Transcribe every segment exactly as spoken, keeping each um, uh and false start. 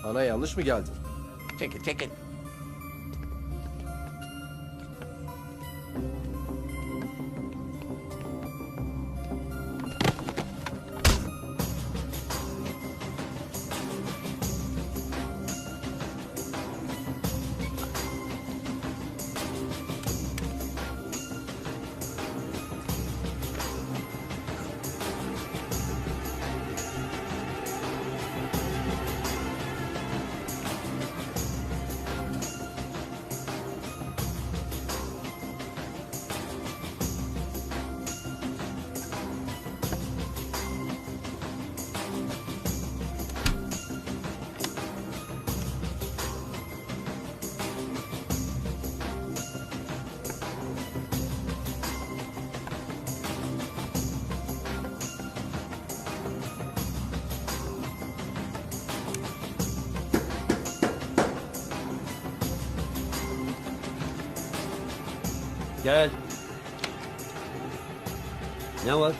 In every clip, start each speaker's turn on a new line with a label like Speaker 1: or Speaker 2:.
Speaker 1: Ana yanlış mı geldin?
Speaker 2: Çekil çekil.
Speaker 3: Gel. Ne var?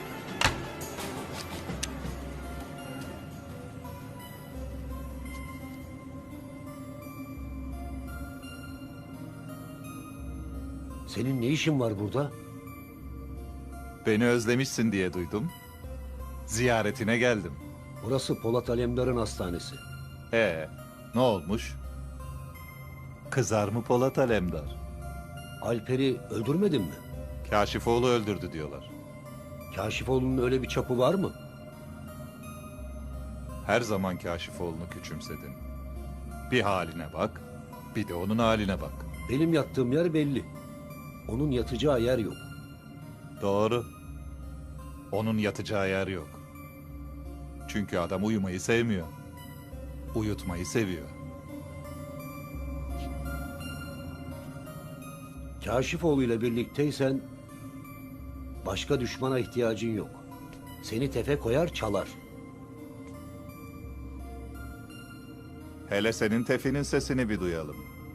Speaker 3: Senin ne işin var burada?
Speaker 4: Beni özlemişsin diye duydum. Ziyaretine geldim.
Speaker 3: Burası Polat Alemdar'ın hastanesi.
Speaker 4: Ee, ne olmuş? Kızar mı Polat Alemdar?
Speaker 3: Alper'i öldürmedin mi?
Speaker 4: Kaşifoğlu öldürdü diyorlar.
Speaker 3: Kaşifoğlu'nun öyle bir çapı var mı?
Speaker 4: Her zaman Kaşifoğlu'nu küçümsedin. Bir haline bak, bir de onun haline bak.
Speaker 3: Benim yattığım yer belli. Onun yatacağı yer yok.
Speaker 4: Doğru. Onun yatacağı yer yok. Çünkü adam uyumayı sevmiyor. Uyutmayı seviyor.
Speaker 3: Kaşifoğlu ile birlikteysen başka düşmana ihtiyacın yok. Seni tefe koyar çalar.
Speaker 4: Hele senin tefinin sesini bir duyalım.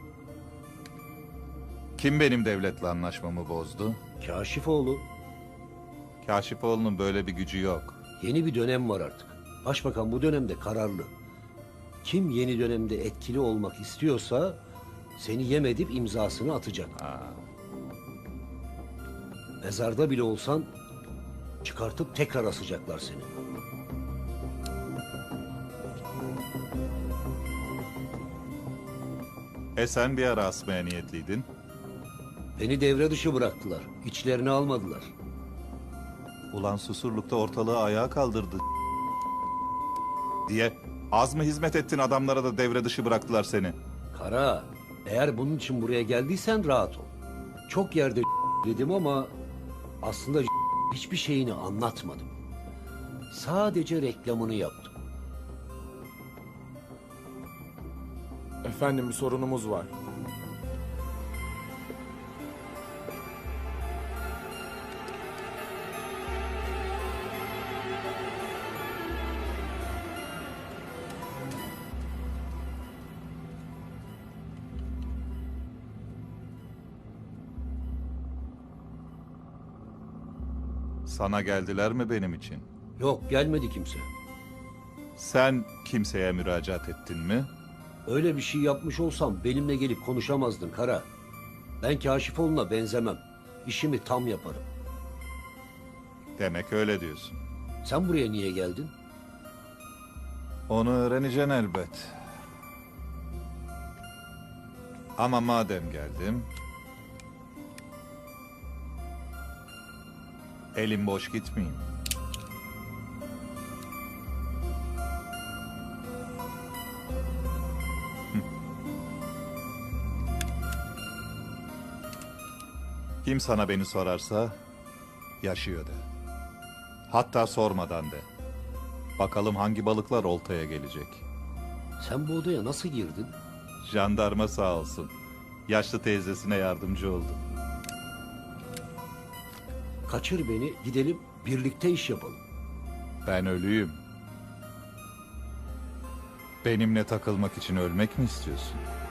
Speaker 4: Kim benim devletle anlaşmamı bozdu?
Speaker 3: Kaşifoğlu.
Speaker 4: Kaşifoğlu'nun böyle bir gücü yok.
Speaker 3: Yeni bir dönem var artık. Başbakan bu dönemde kararlı. Kim yeni dönemde etkili olmak istiyorsa seni yem edip imzasını atacak.
Speaker 4: Ha.
Speaker 3: Mezarda bile olsan çıkartıp tekrar asacaklar seni.
Speaker 4: E sen bir ara asmaya niyetliydin.
Speaker 3: Beni devre dışı bıraktılar. İçlerini almadılar.
Speaker 4: Ulan Susurluk'ta ortalığı ayağa kaldırdı diye az mı hizmet ettin, adamlara da devre dışı bıraktılar seni.
Speaker 3: Kara, eğer bunun için buraya geldiysen rahat ol. Çok yerde dedim ama aslında hiçbir şeyini anlatmadım. Sadece reklamını yaptım.
Speaker 1: Efendim bir sorunumuz var.
Speaker 4: Sana geldiler mi benim için?
Speaker 3: Yok, gelmedi kimse.
Speaker 4: Sen kimseye müracaat ettin mi?
Speaker 3: Öyle bir şey yapmış olsam benimle gelip konuşamazdın Kara. Ben Kaşifoğlu'na benzemem. İşimi tam yaparım.
Speaker 4: Demek öyle diyorsun.
Speaker 3: Sen buraya niye geldin?
Speaker 4: Onu öğreneceksin elbet. Ama madem geldim, elim boş gitmeyeyim. Hı. Kim sana beni sorarsa yaşıyor de. Hatta sormadan de. Bakalım hangi balıklar oltaya gelecek.
Speaker 3: Sen bu odaya nasıl girdin?
Speaker 4: Jandarma sağ olsun. Yaşlı teyzesine yardımcı oldu.
Speaker 3: Kaçır beni, gidelim birlikte iş yapalım.
Speaker 4: Ben ölüyüm. Benimle takılmak için ölmek mi istiyorsun?